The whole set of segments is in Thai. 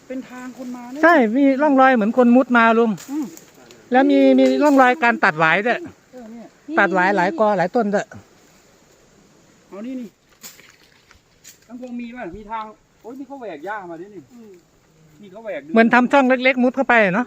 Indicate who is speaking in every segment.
Speaker 1: เป็นทางคนมาเนี่ย
Speaker 2: ใช่มีร่องรอยเหมือนคนมุดมาลุงแล้วมีร่องรอยการตัดหวายด้วยตัดหวายหลายกอหลายต้นด้วย
Speaker 1: เอานี่ทั้งพงมีป่ะมีทางโอ้ยนี่เขาแหวกหญ้ามาด้วยนี่เขาแหวก
Speaker 2: เหมือนทำช่องเล็กๆมุดเข้าไปเนาะ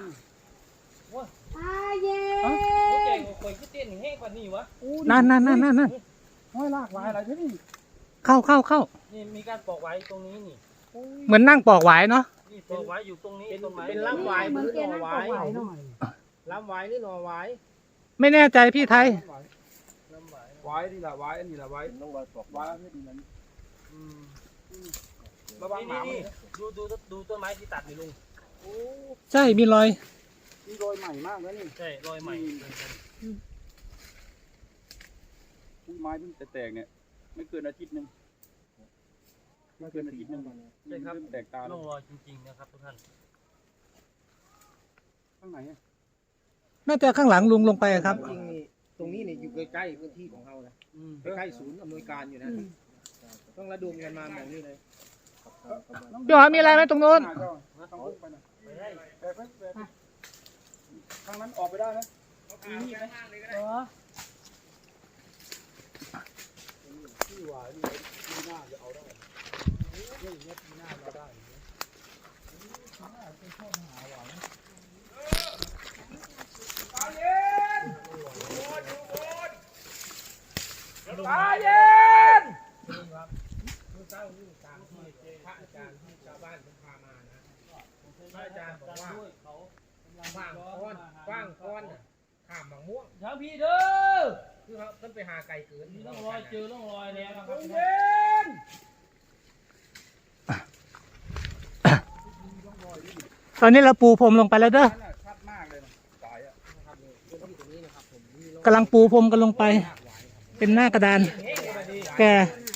Speaker 3: เย้
Speaker 4: โอ้เจ๋งข่อยก็เต้นแห้งกว่านี้วะ
Speaker 2: นั่น
Speaker 1: ห้อยลากลายอะไรที่นี่
Speaker 2: เข้า
Speaker 4: นี่มีการปอกไว้ตรงนี้นี่
Speaker 2: เหมือนนั่งปอกหวายเนาะ
Speaker 4: นี่ปอกไว้อยู่ตรงนี้ต้นไม้
Speaker 3: เป็นลำไว้หรือหน่อไว้
Speaker 4: ลำไว้หรือหน่อไว้
Speaker 2: ไม่แน่ใจพี่ไทย
Speaker 4: ลำไว้
Speaker 1: ไว้นี่แหละไว้อันนี้แหละไว้ต้องไว้ปอกไว้ไม่ดีนั้นระวังหมา
Speaker 4: นี่ดูต้นไม้ที่ตัดนี่ลุง
Speaker 2: ใช่มีรอย
Speaker 1: นี่โรยใหม่มากแล้วนี่
Speaker 4: ใช่รอยใหม่
Speaker 1: ไม้เพิ่งแตกเนี่ยไม่เกินอาทิตย์นึงไม่เกินอาทิตย์นึง
Speaker 4: ใช่ครับ
Speaker 1: แตกตา
Speaker 4: ร่องรอยจริงๆนะครับทุกท่าน
Speaker 1: ข้างไหน
Speaker 2: น่าจะข้างหลังลุงลงไปครับ
Speaker 5: จริงนี่ตรงนี้เนี่ยอยู่ใกล้ๆพื้นที่ของเรานะใกล้ๆศูนย์อำนวยการอยู่นะต้องระดมกันมาหมองนี่เลย
Speaker 2: พี่หอมีอะไรไหมตรงโน้น
Speaker 1: ทางนั้นออกไปได้ไหมมีมีดไหมที่หวายนี่ปีหน้าจะเอาได้เรื่องนี้ปีหน้าเราได้ตาเย็นตาเย็น
Speaker 5: เมื่อเช้านี่ตามที่พระอาจารย์ที่ชาวบ้านผมพามานะพระอาจารย์บอกว่าว่างก้อนข้ามบางม่วง
Speaker 4: ทางพี่เด้อ
Speaker 5: คือเขาต้นไปหาไก่เกิน
Speaker 4: มีร่องรอยเจอร่องรอยแล้วนะครับ
Speaker 1: เย็น
Speaker 2: ตอนนี้เราปูพรมลงไปแล้วเด้อ
Speaker 1: ชัดมากเลยนะสายอ่ะ
Speaker 5: นะครับพื้นที่ตรงนี้นะครับผมมีร่อง
Speaker 2: กำลังปูพรมกันลงไป เป็นหน้ากระดานแก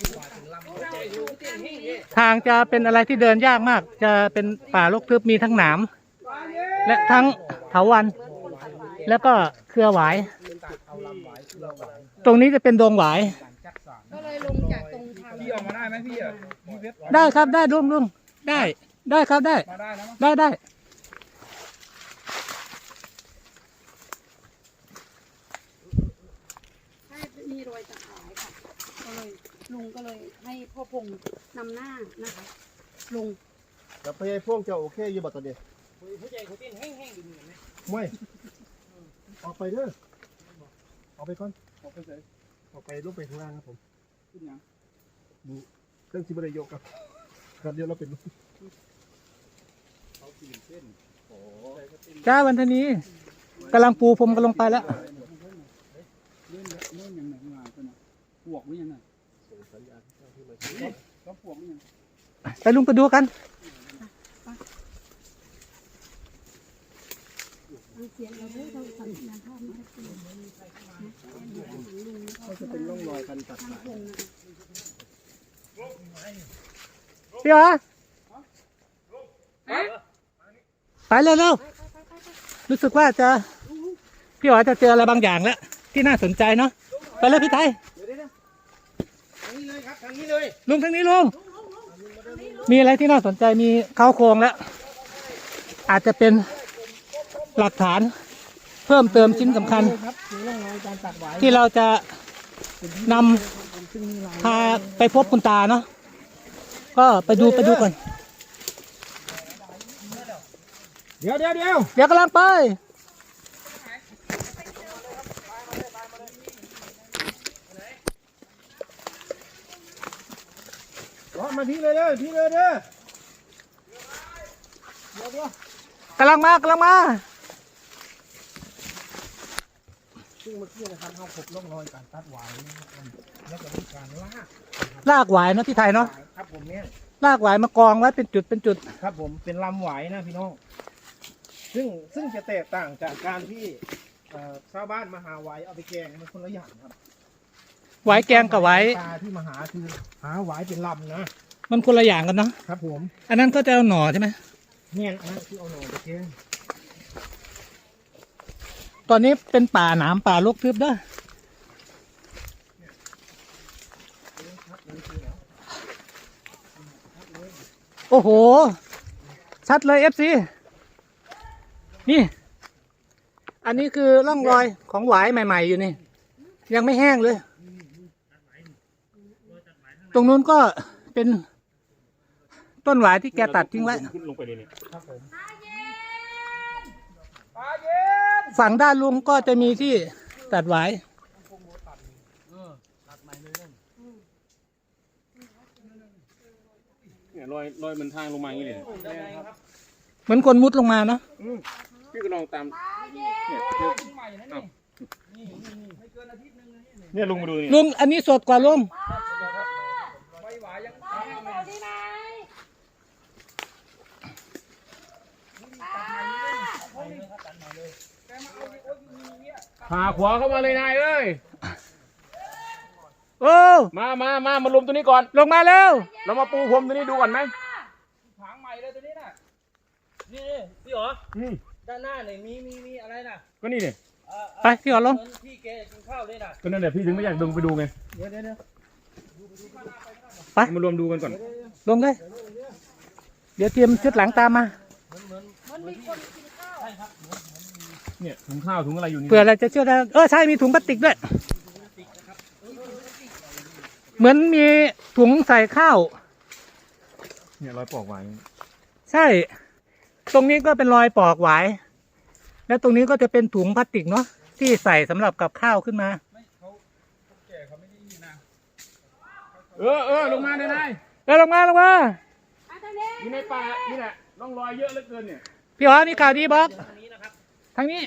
Speaker 2: ทางจะเป็นอะไรที่เดินยากมาก จะเป็นป่ารกทึบมีทั้งหนามและทั้งเถาวัลย์แล้วก็เครือหวาย ตรงนี้จะเป็นดงหวาย
Speaker 3: ก็เลยลงจากตรงทาง
Speaker 1: พี่ออกมาได้ไหมพี่อ่ะพี่เว็บ
Speaker 2: ได้ครับได้ลุงได้ครับได้
Speaker 1: มาได้นะมั้ง
Speaker 2: ได้
Speaker 3: ใช่มีรอยตะขายค่ะก็เลยลุงก็เลยให้พ่อพงนำหน้านะคะลุง
Speaker 6: แต่พยายพวกจะโอเคอยู่บ่ตอนนี้
Speaker 4: ผู้ใหญ่เขาเต้นแห้งๆดูเหมือนไหม
Speaker 6: ไม่ออกไปเด้อออกไปก่อน
Speaker 1: ออกไปเลย
Speaker 6: ออกไปลงไปข้างล่างครับผม
Speaker 1: ขึ้นยัง
Speaker 6: เครื่องซิบะไดโยกครับครับเดี๋ยวเราเป็น
Speaker 1: เขาตีนเส้นโอ้
Speaker 2: จ้าวันทนี้กำลังปูพรมกันลงไปแล้ว
Speaker 1: เล่นยังไงมาเพื่อนปวกหรือยังไง
Speaker 6: ส่งสัญญาณให้เจ้าที่มา
Speaker 1: ก็ปวกหรือยัง
Speaker 2: ไปลุงไปดูกัน
Speaker 3: เสียงเราด้วยเราสัญญาณภาพมาเสียง
Speaker 6: ก็จะเป็นร่องรอยการตัด
Speaker 3: ทาง
Speaker 6: สาย
Speaker 3: พงนะ
Speaker 2: พี่หอไปเร็วๆรู้สึกว่าจะพี่หอจะเจออะไรบางอย่างแล้วที่น่าสนใจเนาะไปเลยพี่ไทย
Speaker 5: ทางนี้เลยครับทางนี้เลย
Speaker 2: ลุงทางนี้ลุงมีอะไรที่น่าสนใจมีเข้าโครงแล้ว อาจจะเป็นหลักฐานเพิ่มเติมชิ้นสำคัญ
Speaker 5: ครับมีร่องรอยการตัดหวาย
Speaker 2: ที่เราจะนำพาไปพบคุณตาเนาะก็ไปดูก่อน
Speaker 5: เดี๋ยว
Speaker 2: เดี๋ยวกำลังไป
Speaker 6: มาพี่เลยเด้อพี่เลยเด้อก
Speaker 2: ำลังมา
Speaker 5: ซึ่งเมื่อกี้นะครับเขาพบร่องรอยการตัดหวายนะครับแล้วก็มีการลาก
Speaker 2: หวายเนาะที่ไทยเนาะ
Speaker 5: ครับผมเนี่ย
Speaker 2: ลากหวายมากองไว้เป็นจุด
Speaker 5: ครับผมเป็นลำหวายนะพี่น้องซึ่งจะแตกต่างจากการที่ชาวบ้านมาหาหวายเอาไปแกงมันคนละอย่างครับ
Speaker 2: หวายแกงกับหวาย
Speaker 5: ปลาที่มาหาคือหาหวายเป็นลำนะ
Speaker 2: มันคนละอย่างกันเนาะ
Speaker 5: ครับผม
Speaker 2: อันนั้นก็จะเอาหน่อใช่ไหม
Speaker 5: เนี่ยอันนั้นคือเอาหน่อไปแกง
Speaker 2: ตอนนี้เป็นป่าหนามป่ารกทึบเด้อโอ้โหชัดเลย FC นี่ อันนี้คือร่องรอยของหวายใหม่ๆอยู่นี่ ยังไม่แห้งเลย ตรงนู้นก็เป็นต้นหวายที่แกตัดทิ้งไว้
Speaker 1: ขึ้นลงไปเลยเนี่ย
Speaker 2: ฝั่งด้านลุงก็จะมีที่ตัดหวาย
Speaker 1: เนี่ยรอยมันทางลงมาอย่างนี้เลย
Speaker 2: เหมือนคนมุดลงมาเนาะ
Speaker 1: พี่ก็ลองตามเนี่ยลุงมาดูนี่
Speaker 2: ลุงอันนี้สดกว่าลุง
Speaker 1: พาขวาเข้ามาเลยนายเอ้ย
Speaker 2: โอ้
Speaker 1: มารวมตัวนี้ก่อน
Speaker 2: ลงมาแล้ว
Speaker 1: เรามาปูพรมตัวนี้ดูก่อนไหม
Speaker 4: ถางใหม่เลยตัวนี้น่ะนี่พี่หรอด้านหน้าเนี่ยมีอะไรน่ะ
Speaker 1: ก็นี่เนี่ย
Speaker 2: ไปพี่ขอลง
Speaker 4: เหมือนพี่แกกินข้าวเลยน่ะ
Speaker 1: ก็นั่นแหละพี่ถึงไม่อยากดึงไปดูไง
Speaker 2: ไป
Speaker 1: มารวมดูกันก่อน
Speaker 2: ลงเลย เดี๋ยวเตรียมชุดหลังตามมา
Speaker 1: เนี่ยถุงข้าวถุงอะไรอยู่นี่
Speaker 2: เผื่ออะไรจะเชื่อได้ใช่มีถุงพลาสติกด้วย เหมือนมีถุงใส่ข้าว
Speaker 1: เนี่ยรอยปอกไว้
Speaker 2: ใช่ ตรงนี้ก็เป็นรอยปอกหวาย และตรงนี้ก็จะเป็นถุงพลาสติกเนาะที่ใส่สำหรับกับข้าวขึ้นมา
Speaker 1: ลงมาเลยนาย
Speaker 2: ลงมา
Speaker 1: อยู่ในป่านี่แหละร่องรอยเยอะเหลือเกินเนี่ย
Speaker 2: พี่อ๋อมีข่าวดีบอกทางนี้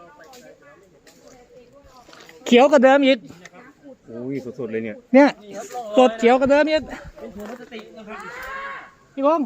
Speaker 2: เขียวกว่าเดิมอีก
Speaker 1: โอ้ยสดๆเลยเนี่ย
Speaker 2: เนี่ยสดเขียวกว่าเดิมอีก
Speaker 4: เป็นถุงพลาสติกนะครับ
Speaker 2: พี่พงษ์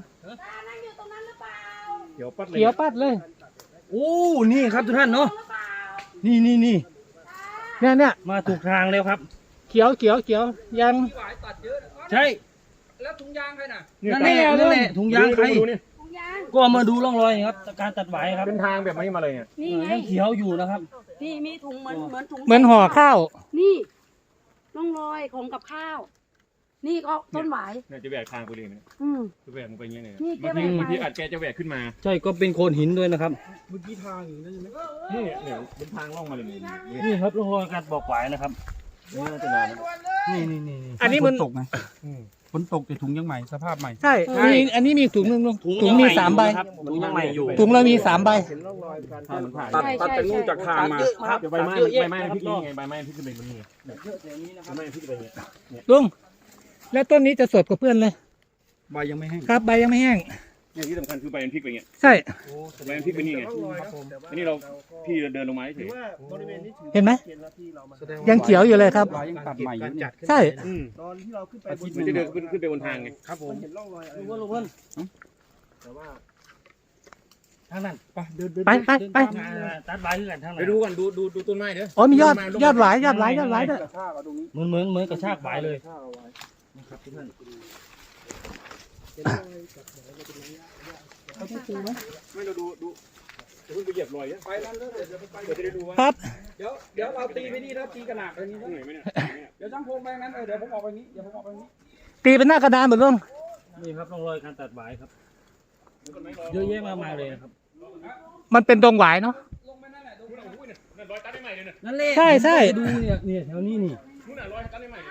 Speaker 1: เขียวปัดเลย
Speaker 2: เขียวปัดเลย
Speaker 4: โอ้นี่ครับทุกท่านเนาะนี่
Speaker 2: เนี่ย
Speaker 4: มาถูกทางแล้วครับ
Speaker 2: เขียวยัง
Speaker 4: ใช่
Speaker 1: แล้วถุงยางใครน่ะ
Speaker 4: นั่นแหละถุงยางใคร
Speaker 1: ดูนี่
Speaker 4: ก็มาดูร่องรอยครับการตัดไหวครับ
Speaker 1: เป็นทางแบบนี้มาเลยเนี่ย
Speaker 3: นี่ไง
Speaker 4: ยังเขียวอยู่นะครับ
Speaker 3: นี่มีถุงเหมือนถุง
Speaker 2: เหมือนห่อข้าว
Speaker 3: นี่ร่องรอยของกับข้าว นี่ก็ต้นหวาย
Speaker 1: เนี่ยจะแหวกทางไปเลยเนี่ย
Speaker 3: อืม
Speaker 1: จะแหวกมันไปอย่างเงี้ยเนี่ย
Speaker 3: นี่แก
Speaker 1: บาง
Speaker 3: แหวกไป
Speaker 1: ทีอาจแกจะแหวกขึ้นมา
Speaker 4: ใช่ก็เป็นโคนหินด้วยนะครับ
Speaker 6: เมื่อกี้ทางอยู่นั่นใช่ไหม
Speaker 1: นี่เนี่ยเป็นทางล่องมาเลยเนี่ย
Speaker 4: นี่ครับร่องรอยการบอกไหวนะครับ
Speaker 1: นี่น่าจะนานนะ
Speaker 4: นี่
Speaker 2: อันนี้มัน
Speaker 5: ตกไงฝนตกแต่ถุงยังใหม่สภาพใหม่
Speaker 2: ใช่อันนี้มีถุงหนึงลุงถุงมี3 ใบ
Speaker 4: ถุงยังใหม่อยู่
Speaker 2: ถุงเรามี3 ใบ
Speaker 1: ตัด
Speaker 3: ใช่
Speaker 1: ตัด
Speaker 3: ใช่
Speaker 1: จากนู่นจากทางมา
Speaker 4: ครับ
Speaker 1: เดี๋ยวใบไม้
Speaker 4: เยอะแยะ
Speaker 1: ใบไม้พริกนี่ไงใบไม้พริกขึ้นไปบนนี่ใบไม้พริกไปเนี่ย
Speaker 2: ลุง แล้วต้นนี้จะสดกว่าเพื่อนเลย
Speaker 5: ใบยังไม่แห้ง
Speaker 2: ครับใบยังไม่แห้ง
Speaker 1: เนี่ยที่สำคัญคือใบมันพริกไปเงี้ย
Speaker 2: ใช่
Speaker 1: ใบมันพริกไปนี่ไงอันนี้เราพี่เดินลงมาเฉย
Speaker 6: บริเวณนี้ถือ
Speaker 2: เห็นไหม
Speaker 6: แสดง
Speaker 2: ยังเขียวอยู่เลยครับ
Speaker 5: ใบยังตัดใหม่อยู่เนี่ย
Speaker 2: ใช่
Speaker 6: ตอนที่เราขึ้นไปบน
Speaker 1: มันจะเดินขึ้นไปบนทางไง
Speaker 5: ครับผม
Speaker 6: เห็นร่องรอยอะไร
Speaker 4: ลุงเพิ่น
Speaker 6: แต่ว่า
Speaker 4: ทางนั้น
Speaker 6: ไปเดิน
Speaker 2: ไป
Speaker 4: ตัดใบคือกันทางไหน
Speaker 1: ไปดูก่อนดูต้นไม้เด้อ
Speaker 2: อ๋อมียอดหวายด้วย
Speaker 6: กระชากเอาตรงนี้
Speaker 4: เหมือนกระชากใบเลย
Speaker 6: กระชากเอาไว้
Speaker 4: นะครับทุกท่าน
Speaker 6: เห็นรอยจับหนเป็นระยะเขาต้องปูไหม
Speaker 1: ไม่เราดูเพิ่งไปเหยียบรอยเนี่ย
Speaker 6: ไปนั่นแล้วเดี๋ยวไป
Speaker 1: เดี๋ยวจะได้ดูว่า
Speaker 2: ครับ
Speaker 1: เดี๋ยวเราตีไปนี่แล้วตีกระหนักไปนี่เหนื่อยไหมเนี่ยเดี๋ยวช่างพงไปงั้นเดี๋ยวผมออกไปนี้เดี๋ยวผมออกไปนี้
Speaker 2: ตีเป็นหน้ากระดานหมดลุง
Speaker 4: นี่ครับร่องรอยการตัดใบครับเยอะแยะมากมายเลยนะครับ
Speaker 2: มันเป็นดงหวายเนาะ
Speaker 1: ลงไปนั่นแหละดูนะอุ้ยเนี่ยรอยตัดได้ใหม่เลยเนี่ย
Speaker 4: นั่นแหละ
Speaker 2: ใช่
Speaker 4: ดูเนี่ยแถวนี้นี่
Speaker 1: นู่นน่ะรอยตัดได้ใหม่เลย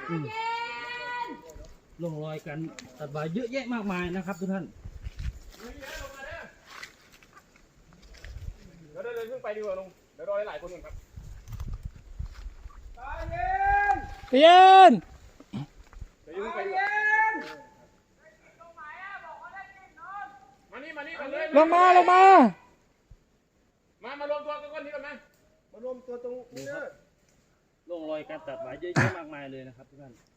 Speaker 4: ร่องรอยการตัดใบเยอะแยะมากมายนะครับทุกท่าน
Speaker 1: เดี๋ยวเดินขึ้นไปดีกว่าลุงเดี๋ยวรอหลายคนก่อนครับ
Speaker 2: เย็น
Speaker 1: เดี๋ยวขึ้นไปดีกว่ามานี่เลย
Speaker 2: ลงมา
Speaker 1: มารวมตัวกันก่อนนี่ก่อนไหม
Speaker 6: มารวมตัวตรงนี้เด้อ
Speaker 4: ร่องรอยการตัดใบเยอะแยะมากมายเลยนะครับทุกท่าน